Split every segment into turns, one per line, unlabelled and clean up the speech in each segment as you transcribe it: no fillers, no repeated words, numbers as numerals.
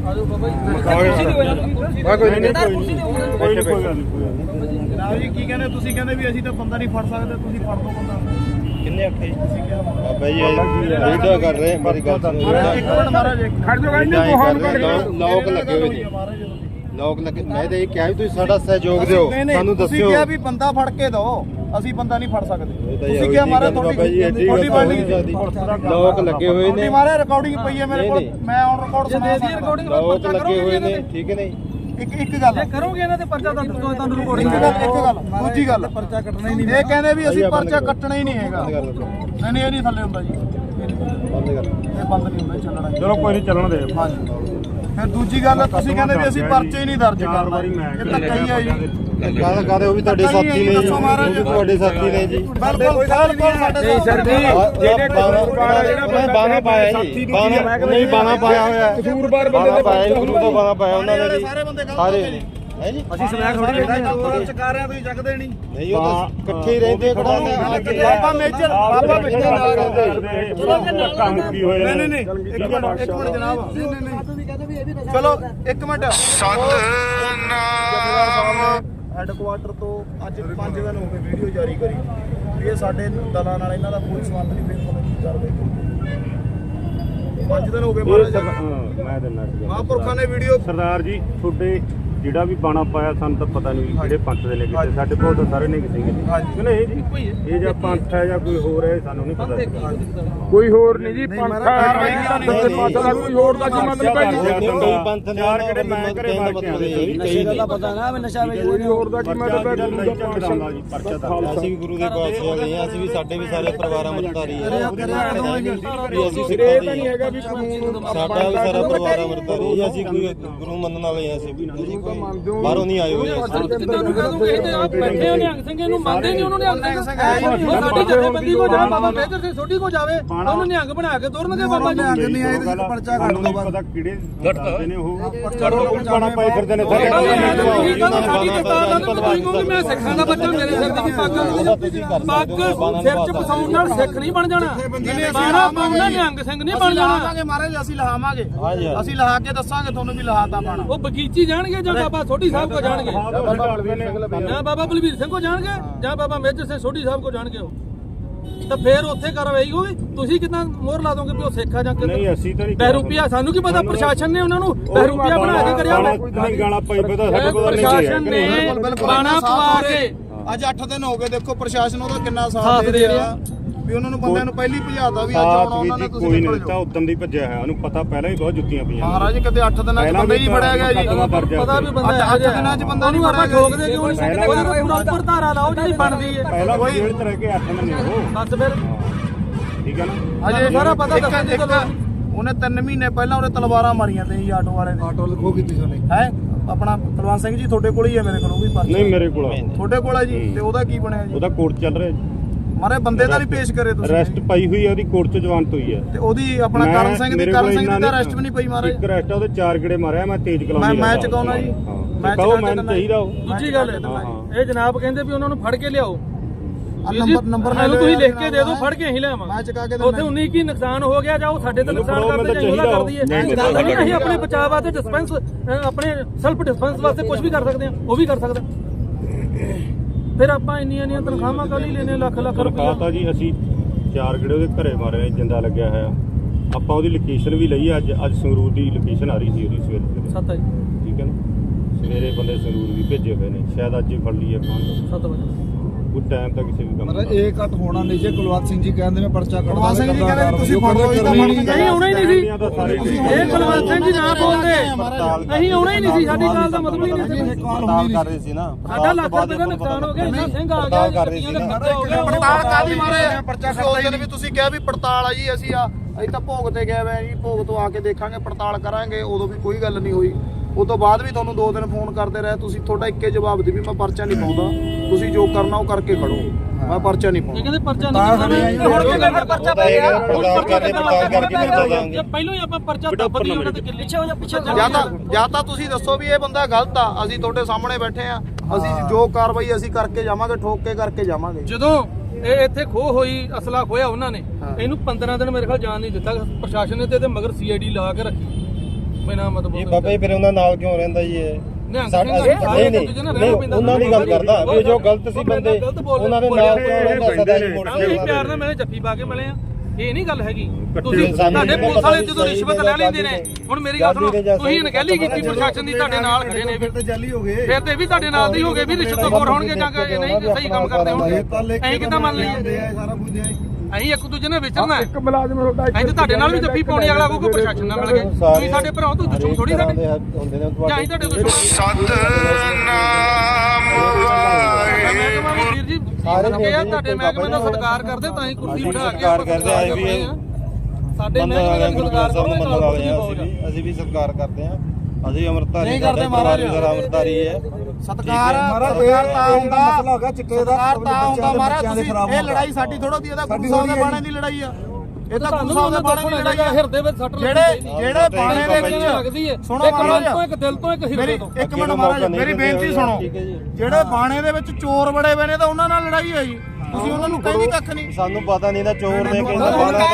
ਜਨਾਬ ਜੀ ਕੀ ਕਹਿੰਦੇ ਤੁਸੀਂ ਕਹਿੰਦੇ ਵੀ ਅਸੀਂ ਤਾਂ ਬੰਦਾ ਨਹੀਂ ਫੜ ਸਕਦੇ ਤੁਸੀਂ ਫੜ ਦੋ ਬੰਦਾ ਕਿੰਨੇ ਆਖੇ ਬਾਬਾ ਜੀ ਵੀਡੀਓ ਕਰ ਰਹੇ ਮੇਰੀ ਗੱਲ ਸੁਣੋ ਇੱਕ ਮਿੰਟ ਮਹਾਰਾਜ ਖੜ ਜਾਓ ਲੋਕ ਲੱਗੇ ਹੋਏ ਜੀ ਲੋਕ ਲੱਗੇ ਮੈਂ ਤਾਂ ਇਹ ਕਿਹਾ ਵੀ ਤੁਸੀਂ ਸਾਡਾ ਸਹਿਯੋਗ ਦਿਓ ਸਾਨੂੰ ਦੱਸਿਓ ਤੁਸੀਂ ਕਿਹਾ ਵੀ ਬੰਦਾ ਫੜ ਕੇ ਦਿਓ ਅਸੀਂ ਬੰਦਾ ਨਹੀਂ ਫੜ ਸਕਦੇ ਤੁਸੀਂ ਕਿਹਾ ਮਹਾਰਾਜ ਤੁਹਾਡੀ ਬਣ ਨਹੀਂ ਸਕਦੀ ਲੋਕ ਲੱਗੇ ਹੋਏ ਨੇ ਮਹਾਰਾਜ ਰਿਕਾਰਡਿੰਗ ਪਈ ਹੈ ਮੇਰੇ ਕੋਲ ਮੈਂ ਔਨ ਰਿਕਾਰਡ ਸੁਣਾ ਦੀ ਰਿਕਾਰਡਿੰਗ ਲੋਕ ਲੱਗੇ ਹੋਏ ਨੇ ਠੀਕ ਹੈ ਨਹੀਂ ਇੱਕ ਗੱਲ ਕਰੋਗੇ ਇਹਨਾਂ ਤੇ ਪਰਚਾ ਦਰਜ ਕਰੋ ਤੁਹਾਨੂੰ ਰਿਕਾਰਡਿੰਗ ਇੱਕ ਗੱਲ ਦੂਜੀ ਗੱਲ ਪਰਚਾ ਕੱਟਣਾ ਹੀ ਨਹੀਂ ਇਹ ਕਹਿੰਦੇ ਵੀ ਅਸੀਂ ਪਰਚਾ ਕੱਟਣਾ ਹੀ ਨਹੀਂ ਹੈਗਾ ਨਹੀਂ ਇਹ ਨਹੀਂ ਥੱਲੇ ਹੁੰਦਾ ਜੀ ਬੰਦ ਕਰ ਇਹ ਬੰਦ ਨਹੀਂ ਹੁੰਦਾ ਚੱਲਣਾ ਚਲੋ ਕੋਈ ਨਹੀਂ ਚੱਲਣ ਦੇ ਹਾਂਜੀ ਫਿਰ ਦੂਜੀ ਗੱਲ ਤੁਸੀਂ ਕਹਿੰਦੇ ਵੀ ਅਸੀਂ ਪਰਚੇ ਹੀ ਨਹੀਂ ਦਰਜ ਕਰਨਾ ਇਹ ਤਾਂ ਕਹੀ ਹੈ ਜੀ ਗੱਲ ਕਰਦੇ ਉਹ ਵੀ ਤੁਹਾਡੇ ਸਾਥੀ ਨੇ ਜੀ ਤੁਹਾਡੇ ਸਾਥੀ ਨੇ ਜੀ ਬਿਲਕੁਲ ਸਾਡੇ ਸਰ ਜੀ ਜਿਹੜੇ ਜਿਹੜਾ ਬਾਣਾ ਪਾਇਆ ਜੀ ਬਾਣਾ ਨਹੀਂ ਬਾਣਾ ਪਾਇਆ ਹੋਇਆ ਕਸੂਰਵਾਰ ਬੰਦੇ ਦੇ ਪਾਇਆ ਗੁਰੂ ਦਾ ਬਾਣਾ ਪਾਇਆ ਉਹਨਾਂ ਨੇ ਜੀ ਸਾਰੇ ਬੰਦੇ ਸਾਰੇ ਹੈ ਜੀ ਅਸੀਂ ਸਮੈਕ ਥੋੜੀ ਲੈਣਾ ਚਕਾ ਰਹੇ ਤੁਸੀਂ ਚੱਕਦੇ ਨਹੀਂ ਉਹ ਤਾਂ ਇਕੱਠੇ ਹੀ ਰਹਿੰਦੇ ਬਾਬਾ ਮੇਜਰ ਨਾਲ ਰਹਿੰਦੇ ਕੰਮ ਕੀ ਹੋਇਆ ਨਹੀਂ ਇੱਕ ਮਿੰਟ ਜਨਾਬ ਚਲੋ ਇੱਕ ਮਿੰਟ ਸਤਨਾਮ ਹੈਡਕੁਆਟਰ ਤੋਂ ਅੱਜ 5 ਦਿਨ ਹੋ ਗਏ ਵੀਡੀਓ ਜਾਰੀ ਕਰੀ ਇਹ ਸਾਡੇ ਦਲਾਂ ਨਾਲ ਇਹਨਾਂ ਦਾ ਕੋਈ ਸੰਬੰਧ ਨਹੀਂ ਫਿਰ ਪਤਾ ਕੀ ਕਰਦੇ 5 ਦਿਨ ਹੋ ਗਏ ਮੈਂ ਦਿੰਦਾ ਮਹਾਂਪੁਰਖਾਂ ਨੇ ਵੀਡੀਓ
ਸਰਦਾਰ ਜੀ ਤੁਹਾਡੇ ਜਿਹੜਾ ਵੀ ਬਾਣਾ ਪਾਇਆ ਸਾਨੂੰ ਤਾਂ ਪਤਾ ਨਹੀਂ ਜਿਹੜੇ ਪੰਥ ਦੇ ਨੇ ਕਿਤੇ ਸਾਡੇ ਕੋਲ ਤਾਂ ਸਾਰੇ ਨੇ ਕਿਸੇ ਨਹੀਂ ਜੀ ਇਹ ਜਾਂ ਪੰਥ ਹੈ ਜਾਂ ਕੋਈ ਹੋਰ ਹੈ ਸਾਨੂੰ ਨਹੀਂ ਪਤਾ
ਕੋਈ ਹੋਰ ਨਹੀਂ ਜੀ ਪੰਥ ਹੈ ਕੋਈ ਹੋਰ ਦਾ ਕੀ ਮਤਲਬ ਹੈ ਜੀ
ਕੋਈ ਪੰਥ ਨੇ ਯਾਰ ਕਿਹੜੇ ਮੈਂ ਕਰੇ
ਨਸ਼ੇ ਦਾ ਪਤਾ ਨਾ ਨਸ਼ਾ ਵੇਚ
ਕੋਈ ਹੋਰ ਦਾ ਕੀ ਮਤਲਬ ਹੈ
ਅਸੀਂ ਵੀ ਗੁਰੂ ਦੇ ਪਾਸੇ ਗਏ ਆ ਅਸੀਂ ਵੀ ਸਾਡੇ ਵੀ ਸਾਰੇ ਪਰਿਵਾਰ ਅੰਮ੍ਰਿਤਧਾਰੀ ਆ ਅਸੀਂ
ਸਿਰੇ ਤਾਂ ਨਹੀਂ ਹੈਗਾ ਵੀ ਕਾਨੂੰਨ
ਸਾਡਾ ਵੀ ਸਾਰਾ ਪਰਿਵਾਰ ਅੰਮ੍ਰਿਤਧਾਰੀ ਅਸੀਂ ਕੋਈ ਗੁਰੂ ਮੰਨਣ ਵਾਲੇ ਆ ਅਸੀਂ ਬਾਹਰੋਂ ਨਹੀਂ ਆਏ ਹੋਏ
ਬੈਠੇ ਹੋ ਨਿਹੰਗ ਸਿੰਘ ਨੂੰ ਮੰਨਦੇ ਨਹੀਂ ਉਹਨੂੰ ਨਿਹੰਗ ਸਿੰਘ ਸਾਡੀ ਜਥੇਬੰਦੀ ਕੋ ਜਾ ਬਾਬਾ ਮੇਜਰ ਸਿੰਘ ਛੋਟੀ ਕੋ ਜਾਵੇ ਉਹਨੂੰ ਨਿਹੰਗ ਬਣਾ ਕੇ ਤੁਰਨਗੇ ਬਾਬਾ ਜੀ
ਨਹੀਂ ਆਏ ਤੇ ਪਰਚਾ ਕੱਟ ਦੋ
ਪਤਾ ਕਿਹੜੇ ਕਰਦੇ ਨੇ ਉਹ ਬਾਣਾ ਪਾਈ ਫਿਰਦੇ ਨੇ ਸਾਰੇ
ਮੈਂ ਸਿੱਖਾਂ ਦਾ ਬੱਚਾ ਮੇਰੇ ਸਿਰ ਦੀ ਪੱਗ ਸਿਰ ਚ ਫਸਾਉਣ ਨਾਲ ਸਿੱਖ ਨਹੀਂ ਬਣ ਜਾਣਾ ਬਾਣਾ ਪਾਉਣਾ ਨਿਹੰਗ ਸਿੰਘ ਨਹੀਂ ਬਣ ਜਾਣਾ
ਮਹਾਰਾਜ ਅਸੀਂ ਲਹਾਵਾਂਗੇ ਅਸੀਂ ਲਹਾ ਕੇ ਦੱਸਾਂਗੇ ਤੁਹਾਨੂੰ ਵੀ ਲਹਾਤਾ ਬਾਣਾ
ਉਹ ਬਗੀਚੀ ਜਾਣਗੇ ਜਾਂ ਬਾਬਾ ਸੋਢੀ ਸਾਹਿਬ ਕੋ ਜਾਣਗੇ ਜਾਂ ਬਾਬਾ ਬਲਬੀਰ ਸਿੰਘ ਕੋ ਜਾਣਗੇ ਜਾਂ ਬਾਬਾ ਮੇਜਰ ਸਿੰਘ ਸੋਢੀ ਸਾਹਿਬ ਕੋ ਜਾਣਗੇ ਉਹ ਤਾਂ ਫੇਰ ਉੱਥੇ ਕਾਰਵਾਈ ਹੋਵੇ ਤੁਸੀਂ ਕਿਦਾਂ ਮੋਹਰ ਲਾ ਦੋਗੇ ਵੀ ਉਹ ਸਿੱਖ ਆ ਜਾਂ
ਨਹੀਂ ਅਸੀਂ ਤਾਂ ਨਹੀਂ
ਬਹਿਰੂਪੀਆ ਸਾਨੂੰ ਕੀ ਪਤਾ ਪ੍ਰਸ਼ਾਸਨ ਨੇ ਉਹਨਾਂ ਨੂੰ ਬਹਿਰੂਪੀਆ ਬਣਾ ਕੇ ਕਰਿਆ
ਨਹੀਂ ਗਾਣਾ ਪਾਈ ਪਤਾ ਸਾਡੇ ਕੋਲ ਨਹੀਂ
ਪ੍ਰਸ਼ਾਸਨ ਨੇ ਬਾਣਾ ਪਵਾ ਕੇ
ਅੱਜ 8 ਦਿਨ ਹੋ ਗਏ ਦੇਖੋ ਪ੍ਰਸ਼ਾਸਨ ਉਹਦਾ ਕਿੰਨਾ ਸਾਥ ਦੇ ਰਿਹਾ ਵੀ ਉਹਨਾਂ ਨੂੰ ਬੰਦਿਆਂ ਨੂੰ ਪਹਿਲੀ ਭਜਾਤਾ ਵੀ ਅੱਜ ਆਉਣਾ ਉਹਨਾਂ ਨੇ ਤੁਸੀਂ
ਕੋਈ ਨਹੀਂ ਦਿੱਤਾ ਉਦੋਂ ਦੀ ਭੱਜਿਆ ਹੈ ਉਹਨੂੰ ਪਤਾ ਪਹਿਲਾਂ ਹੀ ਬਹੁਤ ਜੁੱਤੀਆਂ ਪਈਆਂ
ਮਹਾਰਾਜ ਕਦੇ 8 ਦਿਨਾਂ 'ਚ ਬੰਦਾ ਹੀ ਫੜਿਆ ਗਿਆ ਜੀ
ਪਤਾ ਵੀ ਬੰਦਾ 8 ਦਿਨਾਂ 'ਚ ਬੰਦਾ ਨਹੀਂ ਫੜਿਆ ਠੋਕਦੇ ਕਿਉਂ ਨਹੀਂ ਉਹਦੀ ਪ੍ਰੋਪਰ ਧਾਰਾ ਲਾਓ ਜਿਹੜੀ ਬਣਦੀ ਹੈ
ਪਹਿਲਾਂ ਕੋਈ ਜੇਲ੍ਹ 'ਚ ਰਹਿ ਕੇ 8 ਮਹੀਨੇ ਹੋ
ਬਸ ਫਿਰ
ਠੀਕ ਹੈ ਨਾ
ਅਜੇ ਸਾਰਾ ਪਤਾ ਦੱਸਣ ਉਹਨੇ 3 ਮਹੀਨੇ ਪਹਿਲਾਂ ਉਹਨੇ ਤਲਵਾਰਾਂ ਮਾਰੀਆਂ ਤੇ ਜੀ ਆਟੋ ਵਾਲੇ ਨੇ ਆਟੋ ਲਖੋ ਕੀਤੀ ਉਹਨੇ ਹੈ ਆਪਣਾ ਤਲਵਾਰ ਸਿੰਘ ਜੀ ਤੁਹਾਡੇ ਕੋਲ ਹੀ ਹੈ ਮੇਰੇ ਕੋਲ ਉਹ ਵੀ ਪਰਚਾ
ਨਹੀਂ ਮੇਰੇ ਕੋਲ
ਤੁਹਾਡੇ ਕੋਲ ਹੈ ਜੀ ਤੇ ਉਹਦਾ ਕੀ ਬਣਿਆ ਜੀ
ਉਹਦਾ ਕੋਰਟ ਚੱਲ ਰਿਹਾ ਜੀ
ਮਾਰੇ ਬੰਦੇ ਦਾ ਨਹੀਂ ਪੇਸ਼ ਕਰੇ ਤੁਸੀਂ
ਅਰੈਸਟ ਪਾਈ ਹੋਈ ਹੈ ਉਹਦੀ ਕੋਰਟ 'ਚ ਜ਼ਮਾਨਤ ਹੋਈ ਹੈ
ਤੇ ਉਹਦੀ ਆਪਣਾ ਕਰਨ ਸਿੰਘ ਦੀ ਤਾਂ ਅਰੈਸਟ ਵੀ ਨਹੀਂ ਪਈ ਮਾਰੇ
ਇੱਕ ਅਰੈਸਟ ਉਹਦੇ 4 ਗੇੜੇ ਮਾਰਿਆ ਮੈਂ ਤੇਜ਼ ਕਲਾਉਂਦੀ
ਮੈਂ ਚਕਾਉਣਾ ਜੀ
ਮੈਂ ਚਾਹੀਦਾ ਉਹ
ਦੂਜੀ ਗੱਲ ਇਹ ਜਨਾਬ ਕਹਿੰਦੇ ਵੀ ਉਹਨਾਂ ਨੂੰ ਫੜ ਕੇ ਲਿਆਓ
ਨੰਬਰ
ਲੈ ਲਓ ਤੁਸੀਂ ਲਿਖ ਕੇ ਦੇ ਦਿਓ ਫੜ ਕੇ ਅਸੀਂ ਲਿਆਵਾਂ
ਮੈਂ ਚਕਾ ਕੇ
ਉੱਥੇ 19 ਕੀ ਨੁਕਸਾਨ ਹੋ ਗਿਆ ਜਾਂ ਉਹ ਸਾਡੇ ਤੇ ਨੁਕਸਾਨ ਕਰਦੇ ਜਾਂ ਉਹਦਾ ਕਰ ਦਈਏ ਅਸੀਂ ਆਪਣੇ ਬਚਾਅ ਵਾਸਤੇ ਡਿਸਪੈਂਸ ਆਪਣੇ ਸੈਲਫ ਡਿਸਪੈਂਸ ਵਾਸਤੇ ਕੁਝ ਵੀ ਕਰ ਸਕਦੇ ਹਾਂ ਉਹ ਵੀ ਕਰ ਸਕਦਾ ਫਿਰ ਆਪਾਂ ਇੰਨੀਆਂ ਤਨਖਾਹਾਂ ਕੱਲ ਹੀ ਲੈਨੇ ਲੱਖ ਰੁਪਏ
ਤਾਂ ਜੀ ਅਸੀਂ 4 ਗੇੜੇ ਉਹਦੇ ਘਰੇ ਮਾਰੇ ਜਿੰਦਾ ਲੱਗਿਆ ਹੋਇਆ ਆਪਾਂ ਉਹਦੀ ਲੋਕੇਸ਼ਨ ਵੀ ਲਈ ਅੱਜ ਸੰਗਰੂਰ ਦੀ ਲੋਕੇਸ਼ਨ ਆ ਰਹੀ ਸੀ ਉਹਦੀ ਸਵੇਰੇ
ਸੱਤ ਜੀ
ਠੀਕ ਹੈ ਨਾ ਸਵੇਰੇ ਬੰਦੇ ਸੰਗਰੂਰ ਵੀ ਭੇਜੇ ਹੋਏ ਨੇ ਸ਼ਾਇਦ ਅੱਜ ਹੀ ਫੜ ਲਈਏ ਆਪਾਂ
7 ਵਜੇ
ਉਹ ਟਾਈਮ ਤਾਂ ਕਿਸੇ ਵੀ ਕੰਮ
ਮਤਲਬ ਇਹ ਕੱਟ ਹੋਣਾ ਨਹੀਂ ਜੇ ਕੁਲਵੰਤ ਸਿੰਘ ਜੀ ਕਹਿੰਦੇ ਮੈਂ ਪਰਚਾ ਕੱਢਦਾ ਕੁਲਵੰਤ ਸਿੰਘ ਜੀ ਕਹਿੰਦੇ ਤੁਸੀਂ ਫੜ ਲਓ ਇਹਦਾ
ਨਹੀਂ ਆਉਣਾ ਹੀ ਨਹੀਂ ਸੀ ਇਹ ਕੁਲਵੰਤ ਸਿੰਘ ਜੀ ਨਾ ਬੋਲਦੇ ਅਸੀਂ ਆਉਣਾ ਹੀ ਨਹੀਂ ਸੀ ਸਾਡੀ ਗੱਲ ਦਾ ਮਤਲਬ ਹੀ ਨਹੀਂ ਸੀ
ਪੜਤਾਲ ਕਰ ਰਹੇ ਸੀ ਨਾ
ਸਾਡਾ ਲੱਖ ਰੁਪਏ ਦਾ ਨੁਕਸਾਨ ਹੋ ਗਿਆ ਇੰਨਾ ਸਿੰਘ ਆ ਗਿਆ
ਕਰ ਰਹੇ ਸੀ
ਪੜਤਾਲ ਕਾਦੀ ਮਾਰੇ ਪਰਚਾ ਕੱਢਦੇ ਵੀ ਤੁਸੀਂ ਕਿਹਾ ਵੀ ਪੜਤਾਲ ਆ ਜੀ ਅਸੀਂ ਤਾਂ ਭੋਗ ਤੇ ਗਏ ਵੇ ਜੀ ਭੋਗ ਤੋਂ ਆ ਕੇ ਦੇਖਾਂਗੇ ਪੜਤਾਲ ਕਰਾਂਗੇ ਉਦੋਂ ਵੀ ਕੋਈ ਗੱਲ ਨਹੀਂ ਹੋਈ ਉਹ ਤੋਂ ਬਾਅਦ ਵੀ ਤੁਹਾਨੂੰ 2 ਦਿਨ ਫੋਨ ਕਰਦੇ ਰਹੇ ਤੁਸੀਂ ਤੁਹਾਡਾ ਇੱਕੇ ਜਵਾਬ ਦੇ ਵੀ ਮੈਂ ਪਰਚਾ ਨਹੀਂ ਪਾਉਂਦਾ ਤੁਸੀਂ ਜੋ ਕਰਨਾ ਉਹ ਕਰਕੇ ਖੜੋ ਮੈਂ ਪਰਚਾ ਨਹੀਂ ਪਾਉਂਦਾ
ਕਹਿੰਦੇ ਪਰਚਾ ਨਹੀਂ ਹੁਣ ਕੀ ਕਹਿੰਦੇ ਪਰਚਾ ਪੈ ਗਿਆ
ਪੜਤਾਲ ਕਰਕੇ ਪਰਚਾ ਦਾਂਗੇ
ਪਹਿਲਾਂ ਹੀ ਆਪਾਂ ਪਰਚਾ ਦੱਬ ਦਈਏ ਉਹਨਾਂ ਦੇ ਪਿੱਛੇ ਹੋ ਜਾ ਪਿੱਛੇ
ਜਾਂ ਤਾਂ ਤੁਸੀਂ ਦੱਸੋ ਵੀ ਇਹ ਬੰਦਾ ਗਲਤ ਆ ਅਸੀਂ ਤੁਹਾਡੇ ਸਾਹਮਣੇ ਬੈਠੇ ਆ ਅਸੀਂ ਜੋ ਕਾਰਵਾਈ ਅਸੀਂ ਕਰਕੇ ਜਾਵਾਂਗੇ ਠੋਕ ਕੇ ਕਰਕੇ ਜਾਵਾਂਗੇ
ਜਦੋਂ ਇਹ ਇੱਥੇ ਖੋਹ ਹੋਈ ਅਸਲਾ ਖੋਇਆ ਉਹਨਾਂ ਨੇ ਇਹਨੂੰ 15 ਦਿਨ ਮੇਰੇ ਖਿਆਲ ਜਾਣ ਨਹੀਂ ਦਿੱਤਾ ਪ੍ਰਸ਼ਾਸਨ ਨੇ ਤੇ ਇਹਦੇ ਮਗਰ ਸੀਆਈਡੀ ਲਾ ਕੇ ਰੱਖੀ ਬਿਨਾਂ ਮਤਲਬ
ਇਹ ਬਾਬਾ ਜੀ ਫਿਰ ਉਹਨਾਂ ਨਾਲ ਕਿਉਂ ਰਹਿੰਦਾ ਜੀ ਇਹ ਨਹੀਂ ਉਹਨਾਂ ਦੀ ਗੱਲ ਕਰਦਾ ਵੀ ਜੋ ਗਲਤ ਸੀ ਬੰਦੇ ਉਹਨਾਂ ਦੇ ਨਾਲ ਕਿਉਂ ਰਹਿੰਦਾ ਸਦਾ ਹੀ ਮੋੜ
ਕੇ ਪਿਆਰ ਨਾਲ ਮੈਂ ਜੱਫੀ ਪਾ ਕੇ ਮਿਲੇ ਆ ਇਹ ਨਹੀਂ ਗੱਲ ਹੈਗੀ ਤੁਸੀਂ ਤੁਹਾਡੇ ਪੁਲਿਸ ਵਾਲੇ ਜਦੋਂ ਰਿਸ਼ਵਤ ਲੈ ਲੈਂਦੇ ਨੇ ਹੁਣ ਮੇਰੀ ਗੱਲ ਸੁਣੋ ਤੁਸੀਂ ਅਣਗਹਿਲੀ ਕੀਤੀ ਪ੍ਰਸ਼ਾਸਨ ਦੀ ਤੁਹਾਡੇ ਨਾਲ ਖੜੇ ਨੇ ਫਿਰ ਤੇ ਜਾਲੀ ਹੋ ਗਏ ਫਿਰ ਤੇ ਵੀ ਤੁਹਾਡੇ ਨਾਲ ਦੇ ਹੋ ਗਏ ਵੀ ਰਿਸ਼ਵਤਖੋਰ ਹੋਣਗੇ ਜਾਂ ਨਹੀਂ ਸਹੀ ਕੰਮ ਕਰਦੇ ਹੋਣਗੇ ਅਸੀਂ ਕਿੱਦਾਂ ਮੰਨ ਲਈਏ ਅਸੀਂ ਇੱਕ ਦੂਜੇ ਨਾਲ ਵਿਚਰਨਾ
ਇੱਕ ਮੁਲਾਜ਼ਮ ਤੁਹਾਡਾ
ਅਸੀਂ ਤਾਂ ਤੁਹਾਡੇ ਨਾਲ ਵੀ ਜੱਫੀ ਪਾਉਣੀ ਅਗਲਾ ਕੋਈ ਪ੍ਰਸ਼ਾਸਨ ਨਾਲ ਮਿਲ ਗਏ ਤੁਸੀਂ ਸਾਡੇ ਭਰਾ ਤੋਂ ਦੁਸ਼ਮਣ ਥੋੜੀ ਸਾਡੇ
ਹੁੰਦੇ ਨੇ
ਜਾਂ ਅਸੀਂ ਤੁਹਾਡੇ ਦੁਸ਼ਮਣ ਵੀਰ ਜੀ ਤੁਹਾਡੇ ਮਹਿਕਮੇ ਦਾ ਸਤਿਕਾਰ ਕਰਦੇ ਤਾਂ ਹੀ ਕੁਰਸੀ ਬਿਠਾ ਕੇ
ਸਤਿਕਾਰ ਕਰਦੇ ਆਏ ਵੀ
ਸਾਡੇ ਮਹਿਕਮੇ ਦਾ ਸਤਿਕਾਰ ਕਰਦੇ
ਅਸੀਂ ਵੀ ਸਤਿਕਾਰ ਕਰਦੇ ਹਾਂ ਅਸੀਂ ਅਮਰਤਾਰੀ ਨਹੀਂ ਕਰਦੇ ਮਹਾਰਾਜ ਅਮਰਤਾਰੀ ਹੈ
ਸਤਕਾਰ ਤਾਂ ਹੁੰਦਾ ਮਸਲਾ ਹੋ ਗਿਆ ਚਿੱਟੇ ਦਾ ਤਾਂ ਹੁੰਦਾ ਮਹਾਰਾਜ ਤੁਸੀਂ ਇਹ ਲੜਾਈ ਸਾਡੀ ਥੋੜੋ ਦੀ ਇਹਦਾ ਗੁਰੂ ਸਾਹਿਬ ਦੇ ਬਾਣੇ ਦੀ ਲੜਾਈ ਆ ਇਹ ਤਾਂ ਗੁਰੂ ਸਾਹਿਬ ਦੇ ਬਾਣੇ ਦੀ ਲੜਾਈ ਆ
ਹਿਰਦੇ ਵਿੱਚ ਸੱਟ
ਜਿਹੜੇ ਬਾਣੇ ਦੇ ਵਿੱਚ
ਲੱਗਦੀ ਹੈ
ਸੁਣੋ
ਇੱਕ ਦਿਲ ਤੋਂ ਇੱਕ ਹਿਰਦੇ ਤੋਂ
ਇੱਕ ਮਿੰਟ ਮਹਾਰਾਜ ਮੇਰੀ ਬੇਨਤੀ ਸੁਣੋ ਜਿਹੜੇ ਬਾਣੇ ਦੇ ਵਿੱਚ ਚੋਰ ਬੜੇ ਬਣੇ ਤਾਂ ਉਹਨਾਂ ਨਾਲ ਲੜਾਈ ਹੈ ਜੀ ਤੁਸੀਂ ਉਹਨਾਂ ਨੂੰ ਕਹਿੰਦੇ ਕੱਖ ਨਹੀਂ
ਸਾਨੂੰ ਪਤਾ ਨਹੀਂ ਨਾ ਚੋਰ ਨੇ ਕਹਿੰਦਾ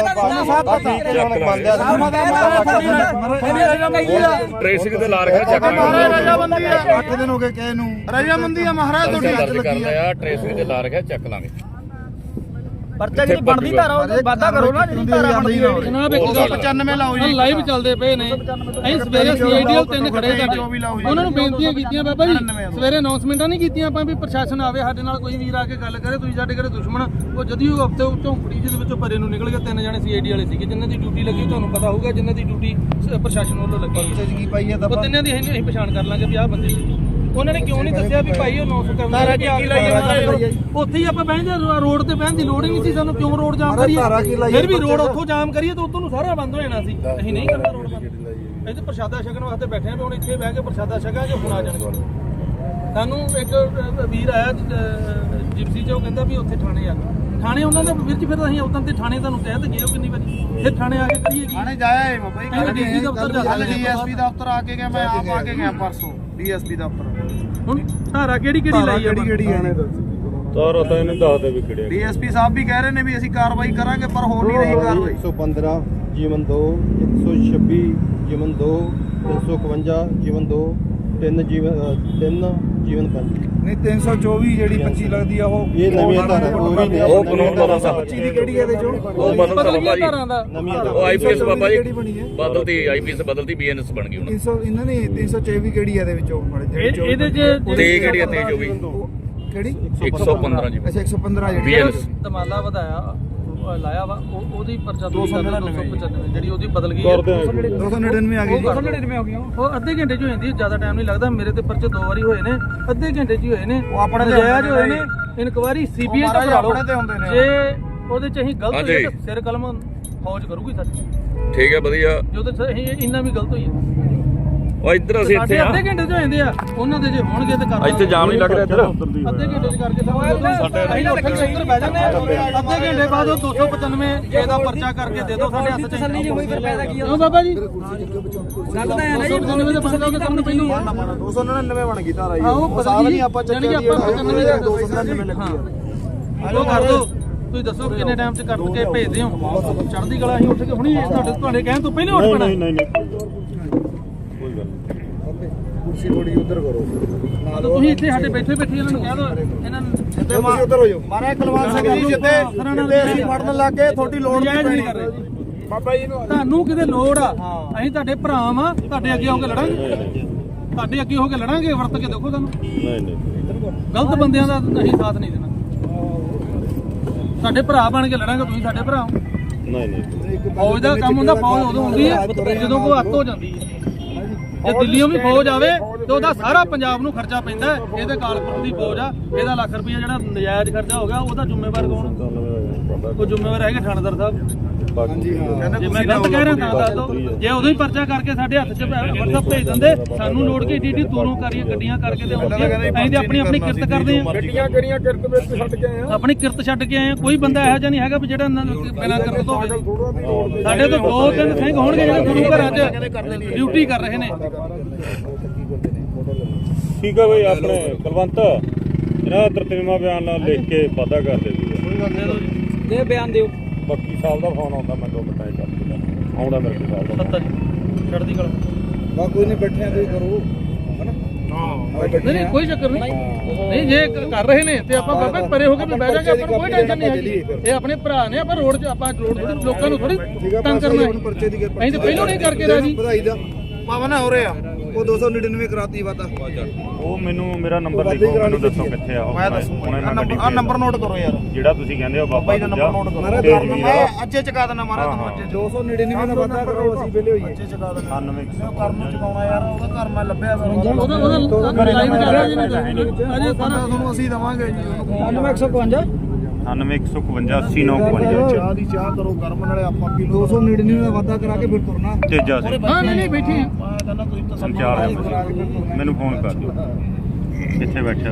ਟ੍ਰੇਸਿੰਗ ਤੇ ਲਾ ਰੱਖਿਆ ਚੱਕ
ਰਜਾਮੰਦੀ ਆ 8 ਦਿਨ ਹੋ ਗਏ ਕਿਸੇ ਨੂੰ ਰਜਾਮੰਦੀ ਆ ਮਹਾਰਾਜ ਤੁਹਾਡੀ ਅੱਜ ਲੱਗੀ ਆ
ਟ੍ਰੇਸਿੰਗ ਤੇ ਲਾ ਰੱਖਿਆ ਚੱਕ ਲਾਂਗੇ
ਪਰਚਾ ਜਿਹੜੀ ਬਣਦੀ ਧਾਰਾ ਉਹ ਵਾਦਾ ਕਰੋ ਨਾ ਜਿਹੜੀ ਧਾਰਾ ਬਣਦੀ ਹੋਵੇ
ਜਨਾਬ 195 ਲਾਓ ਜੀ ਲਾਈਵ ਚੱਲਦੇ ਪਏ ਨੇ ਅਸੀਂ ਸਵੇਰੇ ਸੀਆਈਡੀਐਲ 3 ਖੜੇ ਸਾਡੇ ਉਹਨਾਂ ਨੂੰ ਬੇਨਤੀਆਂ ਕੀਤੀਆਂ ਬਾਬਾ ਜੀ ਸਵੇਰੇ ਅਨਾਉਂਸਮੈਂਟਾਂ ਨਹੀਂ ਕੀਤੀਆਂ ਆਪਾਂ ਵੀ ਪ੍ਰਸ਼ਾਸਨ ਆਵੇ ਸਾਡੇ ਨਾਲ ਕੋਈ ਵੀਰ ਆ ਕੇ ਗੱਲ ਕਰੇ ਤੁਸੀਂ ਸਾਡੇ ਘਰੇ ਦੁਸ਼ਮਣ ਉਹ ਜਦੀ ਉਹ ਹਫਤੇ ਝੌਂਪੜੀ ਜਿਹਦੇ ਵਿੱਚੋਂ ਪਰੇ ਨੂੰ ਨਿਕਲ ਗਏ 3 ਜਣੇ ਸੀਆਈਡੀ ਵਾਲੇ ਸੀਗੇ ਜਿਨ੍ਹਾਂ ਦੀ ਡਿਊਟੀ ਲੱਗੀ ਤੁਹਾਨੂੰ ਪਤਾ ਹੋਊਗਾ ਜਿਨ੍ਹਾਂ ਦੀ ਡਿਊਟੀ ਪ੍ਰਸ਼ਾਸਨ ਵੱਲੋਂ ਲੱਗੀ ਉਹ ਤਿੰਨਾਂ ਦੀ ਅਸੀਂ ਪਛਾਣ ਕਰ ਲਾਂਗੇ ਵੀ ਆਹ ਬੰਦੇ ਸੀ ਉਹਨਾਂ ਨੇ ਕਿਉਂ ਨਹੀਂ ਦੱਸਿਆ ਵੀ ਭਾਈ ਉਹ 900 ਕਰਨਾ ਉੱਥੇ ਹੀ ਆਪਾਂ ਬਹਿ ਜਾ ਰੋਡ ਤੇ ਬਹਿਣ ਦੀ ਲੋੜ ਹੀ ਨਹੀਂ ਸੀ ਸਾਨੂੰ ਕਿਉਂ ਰੋਡ ਜਾਮ ਕਰੀਏ ਫਿਰ ਵੀ ਰੋਡ ਉੱਥੋਂ ਜਾਮ ਕਰੀਏ ਤਾਂ ਉੱਥੋਂ ਨੂੰ ਸਾਰਾ ਬੰਦ ਹੋ ਜਾਣਾ ਸੀ ਅਸੀਂ ਨਹੀਂ ਕਰਨਾ ਰੋਡ ਬੰਦ ਇੱਥੇ ਪ੍ਰਸ਼ਾਦਾ ਛਕਣ ਵਾਸਤੇ ਬੈਠੇ ਆ ਵੀ ਹੁਣ ਇੱਥੇ ਬਹਿ ਕੇ ਪ੍ਰਸ਼ਾਦਾ ਛਕਾਂਗੇ ਹੁਣ ਆ ਜਾਣਗੇ ਸਾਨੂੰ ਇੱਕ ਵੀਰ ਆਇਆ ਜਿਪਸੀ ਚ ਉਹ ਕਹਿੰਦਾ ਵੀ ਉੱਥੇ ਥਾਣੇ ਆ ਥਾਣੇ ਉਹਨਾਂ ਦੇ ਵੀਰ ਜੀ ਫਿਰ ਅਸੀਂ ਉਦੋਂ ਤੇ ਥਾਣੇ ਤੁਹਾਨੂੰ ਕਹਿ ਤੇ ਗਏ ਹੋ ਕਿੰਨੀ ਵਾਰੀ ਫਿਰ ਥਾਣੇ ਆ ਕੇ ਕਰੀਏ ਜੀ
ਥਾਣੇ ਜਾਇਆ ਏ ਬਾਬਾ ਜੀ
ਡੀਸੀ ਦਫ਼ਤਰ ਜਾ ਕੇ
ਡੀਐਸਪੀ ਦਫ਼ਤਰ ਆ ਕੇ ਗਿਆ ਮੈਂ ਆਪ ਆ ਕੇ ਗਿਆ ਪਰਸੋਂ ਡੀਐਸਪੀ ਦਫ਼ਤਰ
ਹੁਣ ਧਾਰਾ ਕਿਹੜੀ ਲਾਈ ਆ
ਕਿਹੜੀ ਹੈ
ਤਾਰਾ ਤਾਂ ਇਹਨੂੰ ਦੱਸ ਦੇ ਵੀ ਕਿਹੜੇ
ਡੀਐਸਪੀ ਸਾਹਿਬ ਵੀ ਕਹਿ ਰਹੇ ਨੇ ਵੀ ਅਸੀਂ ਕਾਰਵਾਈ ਕਰਾਂਗੇ ਪਰ ਹੋ ਨਹੀਂ ਰਹੀ ਕਾਰਵਾਈ
115 ਜੀਵਨ 2 126 ਜੀਵਨ 2 351 ਜੀਵਨ 2 3 ਜੀਵਨ 5
ਨਹੀਂ 324 ਜਿਹੜੀ 25 ਲੱਗਦੀ ਆ ਉਹ
ਇਹ ਨਵੀਂ ਧਾਰਾ ਉਹ ਵੀ ਨਹੀਂ
ਉਹ ਕਾਨੂੰਨ ਦਾ ਰਸਾ
25 ਦੀ ਕਿਹੜੀ ਇਹਦੇ ਚੋਂ
ਉਹ ਬਦਲ ਤਾ
ਧਾਰਾਂ ਦਾ
ਨਵੀਂ
ਉਹ ਆਈਪੀਐਸ ਬਾਬਾ ਜੀ
ਕਿਹੜੀ ਬਣੀ ਹੈ
ਬਦਲਦੀ ਆਈਪੀਐਸ ਬਦਲਦੀ ਬੀਐਨਐਸ ਬਣ ਗਈ ਹੁਣ
300 ਇਹਨਾਂ ਨੇ 324 ਕਿਹੜੀ ਹੈ ਇਹਦੇ ਵਿੱਚੋਂ
ਇਹਦੇ ਚ
ਤੇ ਕਿਹੜੀ ਹੈ ਤੇ ਜੋ ਵੀ
ਕਿਹੜੀ
115 ਜੀ
ਅੱਛਾ 115 ਜਿਹੜੀ
ਬੀਐਨਐਸ
ਧਮਾਲਾ ਵਧਾਇਆ ਲਾਇਆ ਵਾ ਉਹਦੀ ਪਰਚਾ 295 ਜਿਹੜੀ ਉਹਦੀ ਬਦਲ ਗਈ
299 ਆ ਗਈ
299 ਹੋ ਗਈਆਂ ਉਹ ਅੱਧੇ ਘੰਟੇ ਚ ਹੋ ਜਾਂਦੀ ਜ਼ਿਆਦਾ ਟਾਈਮ ਨਹੀਂ ਲੱਗਦਾ ਮੇਰੇ ਤੇ ਪਰਚੇ 2 ਵਾਰੀ ਹੋਏ ਨੇ ਅੱਧੇ ਘੰਟੇ ਚ ਹੀ ਹੋਏ ਨੇ
ਉਹ ਆਪਣੇ
ਨਜਾਇਜ਼ ਹੋਏ ਨੇ ਇਨਕੁਆਇਰੀ ਸੀਬੀਆਈ ਦਾ ਕਰਾ ਲਓ
ਆਪਣੇ ਤੇ ਹੁੰਦੇ ਨੇ
ਜੇ ਉਹਦੇ ਚ ਅਸੀਂ ਗਲਤ ਹੋਏ ਤਾਂ ਸਿਰ ਕਲਮ ਫੌਜ ਕਰੂਗੀ ਸਾਡੀ
ਠੀਕ ਹੈ ਵਧੀਆ
ਜੋ ਤੇ ਅਸੀਂ ਇੰਨਾ ਵੀ ਗਲਤ ਹੋਈ ਹੈ
ਉਹ ਇੱਧਰ ਅਸੀਂ ਇੱਥੇ ਆ
ਅੱਧੇ ਘੰਟੇ ਚ ਹੋ ਜਾਂਦੇ ਆ ਉਹਨਾਂ ਦੇ ਜੇ ਹੋਣਗੇ ਤੇ ਕਰ
ਇੱਥੇ ਜਾਮ ਨਹੀਂ ਲੱਗ ਰਿਹਾ ਇੱਧਰ
ਅੱਧੇ ਘੰਟੇ ਚ ਕਰਕੇ ਅਸੀਂ ਉੱਥੇ ਉੱਧਰ ਬਹਿ ਜਾਂਦੇ ਆ ਅੱਧੇ ਘੰਟੇ ਬਾਅਦ ਉਹ 295 ਜੇ ਦਾ ਪਰਚਾ ਕਰਕੇ ਦੇ ਦਿਓ ਸਾਡੇ ਹੱਥ 'ਚ ਤਸੱਲੀ ਨਹੀਂ ਹੋਈ ਫਿਰ ਫਾਇਦਾ ਕੀ ਆ ਬਾਬਾ ਜੀ ਗੱਲ ਤਾਂ ਹੈ ਨਾ ਜੀ 295 ਦੇ ਪਰਚਾ ਕਰਕੇ ਕੰਮ ਪਹਿਲੂ
299 ਬਣ ਗਈ ਧਾਰਾ
ਉਹ
ਸਾਲ ਨਹੀਂ ਆਪਾਂ ਚੱਕਿਆ
ਆਪਾਂ
299 ਲੱਗੀ ਆ
ਉਹ ਕਰ ਦੋ ਤੁਸੀਂ ਦੱਸੋ ਕਿੰਨੇ ਟਾਈਮ 'ਚ ਕਰ ਕੇ ਭੇਜਦੇ ਹੋ ਚੜ੍ਹਦੀ ਕਲਾ ਅਸੀਂ ਉੱਠ ਕੇ ਹੁਣੀ ਤੁਹਾਡੇ ਕਹਿਣ ਤੋਂ ਪਹਿਲਾਂ ਉੱਠ ਪੈਣਾ
ਨਹੀਂ ਕੋਈ ਗੱਲ
ਕੁਰਸੀ ਥੋੜੀ ਉਧਰ ਕਰੋ
ਤੁਸੀਂ ਇੱਥੇ ਸਾਡੇ ਬੈਠੇ ਇਹਨਾਂ ਨੂੰ ਕਹਿ ਦਿਓ ਇਹਨਾਂ ਨੂੰ
ਜਿੱਤੇ ਉਧਰ ਹੋ ਜਾਓ ਮਾਰੇ ਕੁਲਵੰਤ ਸਿੰਘ ਜੀ ਜਿੱਤੇ ਅਸੀਂ ਫੜਨ ਲੱਗ ਗਏ ਤੁਹਾਡੀ ਲੋੜ ਨਹੀਂ ਪੈਣੀ
ਬਾਬਾ ਜੀ ਨੂੰ ਤੁਹਾਨੂੰ ਕਿਤੇ ਲੋੜ ਆ ਅਸੀਂ ਤੁਹਾਡੇ ਭਰਾ ਆ ਤੁਹਾਡੇ ਅੱਗੇ ਹੋ ਕੇ ਲੜਾਂਗੇ ਤੁਹਾਡੇ ਅੱਗੇ ਹੋ ਕੇ ਲੜਾਂਗੇ ਵਰਤ ਕੇ ਦੇਖੋ ਤੁਹਾਨੂੰ
ਨਹੀਂ
ਗਲਤ ਬੰਦਿਆਂ ਦਾ ਅਸੀਂ ਸਾਥ ਨਹੀਂ ਦੇਣਾ ਸਾਡੇ ਭਰਾ ਬਣ ਕੇ ਲੜਾਂਗੇ ਤੁਸੀਂ ਸਾਡੇ ਭਰਾ ਹੋ
ਨਹੀਂ
ਫੌਜ ਦਾ ਕੰਮ ਹੁੰਦਾ ਫੌਜ ਉਦੋਂ ਹੁੰਦੀ ਹੈ ਜਦੋਂ ਕੋਈ ਅੱਤ ਹੋ ਜਾਂਦੀ ਹੈ ਜੇ ਦਿੱਲੀੋਂ ਵੀ ਫੌਜ ਆਵੇ ਤੇ ਉਹਦਾ ਸਾਰਾ ਪੰਜਾਬ ਨੂੰ ਖਰਚਾ ਪੈਂਦਾ ਇਹਦੇ ਕਾਲਪੁਰ ਦੀ ਫੌਜ ਆ ਇਹਦਾ ਲੱਖ ਰੁਪਇਆ ਜਿਹੜਾ ਨਜਾਇਜ਼ ਖਰਚਾ ਹੋ ਗਿਆ ਉਹਦਾ ਜ਼ਿੰਮੇਵਾਰ ਕੌਣ ਉਹ ਜ਼ਿੰਮੇਵਾਰ ਹੈਗੇ ਥਾਣੇਦਾਰ ਸਾਹਿਬ
ਹਾਂਜੀ ਹਾਂ
ਜੇ ਮੈਂ ਗਲਤ ਕਹਿ ਰਿਹਾ ਤਾਂ ਦੱਸ ਦਿਓ ਜੇ ਉਦੋਂ ਹੀ ਪਰਚਾ ਕਰਕੇ ਸਾਡੇ ਹੱਥ 'ਚ WhatsApp ਭੇਜ ਦਿੰਦੇ ਸਾਨੂੰ ਲੋੜ ਕੇ ਏਡੀ ਦੂਰੋਂ ਕਰੀਏ ਗੱਡੀਆਂ ਕਰਕੇ ਤੇ ਅਸੀਂ ਤੇ ਆਪਣੀ ਕਿਰਤ ਕਰਦੇ ਆ
ਗੱਡੀਆਂ ਕਿਹੜੀਆਂ ਕਿਰਤ ਵਿੱਚ ਛੱਡ ਕੇ ਆਏ ਆ
ਆਪਣੀ ਕਿਰਤ ਛੱਡ ਕੇ ਆਏ ਕੋਈ ਬੰਦਾ ਇਹੋ ਜਿਹਾ ਨਹੀਂ ਹੈਗਾ ਵੀ ਜਿਹੜਾ ਬਿਨਾਂ ਕਿਰਤ ਤੋਂ ਹੋਵੇ ਸਾਡੇ ਤੋਂ 2-3 ਸਿੰਘ ਹੋਣਗੇ ਜਿਹੜੇ ਗੁਰੂ ਘਰਾਂ 'ਚ ਡਿਊਟੀ ਕਰ ਰਹੇ ਨੇ
ਠੀਕ ਆ ਬਈ ਆਪਣੇ ਕੁਲਵੰਤ ਇਹਨਾਂ ਦਾ ਤਰਤੀਮਾ ਬਿਆਨ ਨਾਲ ਲਿਖ ਕੇ ਵਾਅਦਾ ਕਰ ਦੇ
ਦੇ ਬਿਆਨ ਦਿਓ
ਬਾਕੀ ਸਾਹਿਬ ਦਾ ਫੋਨ ਆਉਂਦਾ ਮੈਂ 2 ਮਿੰਟਾਂ ਚ ਕਰ ਦਿੰਦਾ ਆਉਂਦਾ ਮੇਰੇ ਕੋਲ ਸਾਹਿਬ ਦਾ
70 ਚੜ੍ਹਦੀ ਕਲਾ
ਕੋਈ ਨਹੀਂ ਬੈਠਿਆ ਤੁਸੀਂ ਕਰੋ
ਨਹੀਂ ਕੋਈ ਚੱਕਰ ਨਹੀਂ ਨਹੀਂ ਜੇ ਕਰ ਰਹੇ ਨੇ ਤੇ ਆਪਾਂ ਬਾਬਾ ਪਰੇ ਹੋ ਕੇ ਵੀ ਬਹਿ ਜਾਗੇ, ਆਪਾਂ ਨੂੰ ਕੋਈ ਟੈਨਸ਼ਨ ਨਹੀਂ ਹੈਗੀ। ਇਹ ਆਪਣੇ ਭਰਾ ਨੇ, ਆਪਾਂ ਰੋਡ 'ਚ ਆਪਾਂ ਰੋਡ ਲੋਕਾਂ ਨੂੰ ਥੋੜੀ ਤੰਗ ਕਰਨਾ ਹੈ।
ਪਰਚੇ ਦੀ
ਅਸੀਂ ਤਾਂ ਪਹਿਲਾਂ ਨਹੀਂ ਕਰਕੇ ਰਾਜੀ।
ਵਧਾਈ ਦਾ ਪਾਵਨ ਹੋ ਰਿਹਾ ਉਹ 299 ਕਰਾਤੀ ਵਾਦਾ
ਉਹ ਮੈਨੂੰ ਮੇਰਾ ਨੰਬਰ ਲਿਖੋ, ਮੈਨੂੰ ਦੱਸੋ ਕਿੱਥੇ ਆ ਉਹ।
ਮੈਂ ਦੱਸੂਗਾ ਆ ਨੰਬਰ ਨੋਟ ਕਰੋ ਯਾਰ
ਜਿਹੜਾ ਤੁਸੀਂ ਕਹਿੰਦੇ ਹੋ ਬਾਬਾ
ਬਾਈ ਦਾ ਨੰਬਰ ਨੋਟ ਕਰੋ। ਮੈਂ ਅੱਜੇ ਚੁਕਾ ਦੇਣਾ ਮਹਾਰਾਜ ਤੁਹਾਨੂੰ ਅੱਜੇ 299 ਦਾ ਵਾਦਾ ਕਰੋ, ਅਸੀਂ ਵੇਲੇ ਹੋਈਏ ਅੱਜੇ ਚੁਕਾ ਦੇਣਾ।
99
ਘਰ ਨੂੰ ਚੁਕਾਉਣਾ ਯਾਰ, ਉਹਦਾ ਘਰ ਮੈਂ ਲੱਭਿਆ
ਉਹਦਾ ਲਾਈਵ ਚੱਲ ਰਿਹਾ ਜੀ ਅਜੇ ਸਾਰਾ
ਤੁਹਾਨੂੰ ਅਸੀਂ ਦਵਾਂਗੇ ਜੀ
9152
9151 8952
ਚਾਹ ਦੀ ਚਾਹ ਕਰੋ ਗਰਮ ਨਾਲੇ ਆਪਾਂ ਪੀ ਲਓ 299 ਦਾ ਵਾਦਾ ਕਰਾ ਕੇ ਫਿਰ ਤੁਰਨਾ
ਤੇਜਾ ਸਿੰਘ
ਹਾਂ ਨਹੀਂ ਬੈਠੀ
ਮੈਂ ਕਹਿੰਦਾ ਤੁਸੀਂ ਤਾਂ
ਸੰਚਾਰ ਹੈ, ਮੈਨੂੰ ਫੋਨ ਕਰ ਦਿਓ ਕਿੱਥੇ ਬੈਠੇ ਹੋ।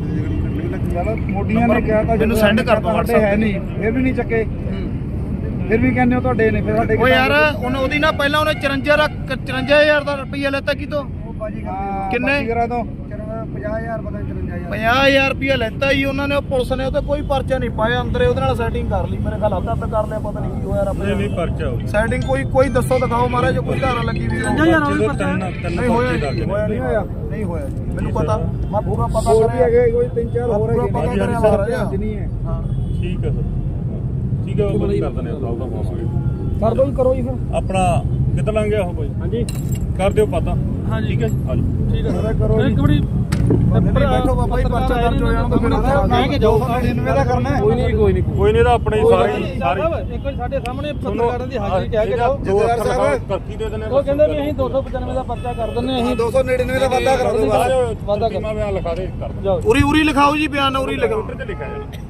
ਮੋਡੀਆਂ ਨੇ ਕਿਹਾ ਤਾਂ ਮੈਨੂੰ ਸੈਂਡ ਕਰ ਦੋ WhatsApp ਹੈ ਨਹੀਂ, ਫਿਰ ਵੀ ਨਹੀਂ ਚੱਕੇ, ਫਿਰ ਵੀ ਕਹਿੰਦੇ ਹੋ ਤੁਹਾਡੇ ਨੇ, ਫਿਰ ਸਾਡੇ ਓ ਯਾਰ ਉਹਦੀ ਨਾ ਪਹਿਲਾਂ ਉਹਨੇ 54000 ਦਾ ਰੁਪਈਆ ਲੈਤਾ ਕਿਤੋਂ ਕਿੰਨੇ 50000 ਪਤਾ 50000 ਰੁਪਇਆ ਲੈਤਾ ਜੀ ਉਹਨਾਂ ਨੇ, ਉਹ ਪੁਲਿਸ ਨੇ ਉਹਤੇ ਕੋਈ ਪਰਚਾ ਨਹੀਂ ਪਾਇਆ, ਅੰਦਰੇ ਉਹਦੇ ਨਾਲ ਸੈਟਿੰਗ ਕਰ ਲਈ, ਮੇਰੇ ਖਿਆਲ ਹੱਥ ਕਰ ਲਿਆ, ਪਤਾ ਨਹੀਂ ਕੀ ਹੋਇਆ ਰੱਬ
ਨਹੀਂ ਨਹੀਂ ਪਰਚਾ ਹੋ
ਸੈਟਿੰਗ ਕੋਈ ਦੱਸੋ ਦਿਖਾਓ ਮਹਾਰਾਜ, ਜੋ ਕੋਈ ਧਾਰਾ ਲੱਗੀ ਵੀ
ਯਾਰ ਉਹ ਵੀ ਪਰਚਾ
ਨਹੀਂ ਹੋਇਆ ਨਹੀਂ ਹੋਇਆ ਜੀ, ਮੈਨੂੰ ਪਤਾ, ਮੈਂ ਪੂਰਾ ਪਤਾ ਕਰਿਆ ਕੋਈ 3-4 ਹੋਰ ਹੈਗੇ ਪਤਾ ਕਰਿਆ ਮਹਾਰਾਜ ਨਹੀਂ ਹੈ। ਹਾਂ
ਠੀਕ ਹੈ ਸਰ, ਠੀਕ ਹੈ ਉਹ ਬੰਦ ਕਰ ਦਿੰਦੇ ਆ ਸਾਲ ਦਾ ਪਾਵਾਂਗੇ।
ਕਰ ਦੋ ਜੀ, ਕਰੋ ਜੀ ਫਿਰ
ਆਪਣਾ ਕਿੱਦਾਂ ਲੰਘ ਗਿਆ ਉਹ ਕੋਈ?
ਹਾਂਜੀ
ਕਰ ਦਿਓ ਪਤਾ।
ਹਾਂਜੀ
ਠੀਕ ਹੈ ਆਜੋ।
ਠੀਕ ਹੈ ਸਰ, ਕਰੋ ਇੱਕ ਵਾਰੀ
ਬੈਠੋ ਬਾਬਾ ਜੀ, ਪਰਚਾ ਦਰਜ ਹੋ ਜਾਣਾ ਤਾਂ ਫਿਰ
ਮੈਂ ਕਿ ਜਾਓ
299 ਦਾ ਕਰਨਾ ਹੈ।
ਕੋਈ ਨਹੀਂ
ਕੋਈ ਨਹੀਂ, ਤਾਂ ਆਪਣੇ ਸਾਰੇ
ਇੱਕ ਵਾਰੀ ਸਾਡੇ ਸਾਹਮਣੇ ਪੱਤਰਕਾਰਾਂ ਦੀ ਹਾਜ਼ਰੀ ਕਹਿ ਕੇ ਜਾਓ।
ਦੋ ਅੱਖਰ ਕਰਕੀ ਦੇ ਦਿੰਦੇ
ਉਹ ਕਹਿੰਦੇ ਵੀ ਅਸੀਂ 295 ਦਾ ਪਰਚਾ ਕਰ ਦਿੰਦੇ ਅਸੀਂ
299 ਦਾ ਵਾਦਾ ਕਰਾ ਦਿਓ ਬਸ।
ਵਾਦਾ ਕਰ ਮੈਂ ਲਿਖਾ ਦੇ ਕਰ
ਜਾਓ।
ਉਰੀ ਲਿਖਾਓ ਜੀ, ਬਿਆਨ ਉਰੀ ਲਿਖਾਓ,
ਤੇ ਲਿਖਿਆ ਜਾਣਾ।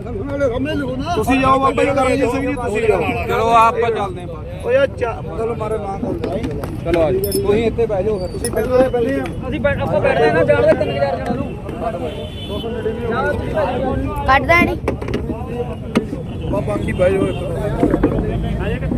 ਤੁਸੀਂ ਜਾਓ ਬਾਬਾ ਜੀ, ਕਰਨਜੀਤ ਸਿੰਘ ਜੀ ਤੁਸੀਂ ਜਾਓ।
ਚਲੋ ਆਪਾਂ ਚੱਲਦੇ ਆਂ।
ਓ ਯਾਰ ਚਲੋ ਮਾਰੇ ਨਾ
ਚਲੋ ਆ ਜਾਓ, ਤੁਸੀਂ ਇੱਥੇ ਬਹਿ ਜਾਓ ਫਿਰ।
ਤੁਸੀਂ ਪਹਿਲੇ ਆ
ਅਸੀਂ ਆਪਾਂ ਬੈਠਦੇ ਨਾ ਜਾਣਦੇ 3000 ਜਣਾਂ ਨੂੰ
ਕੱਢਦਾ ਨਹੀਂ
ਬਾਕੀ ਬਹਿ ਜਾਓ।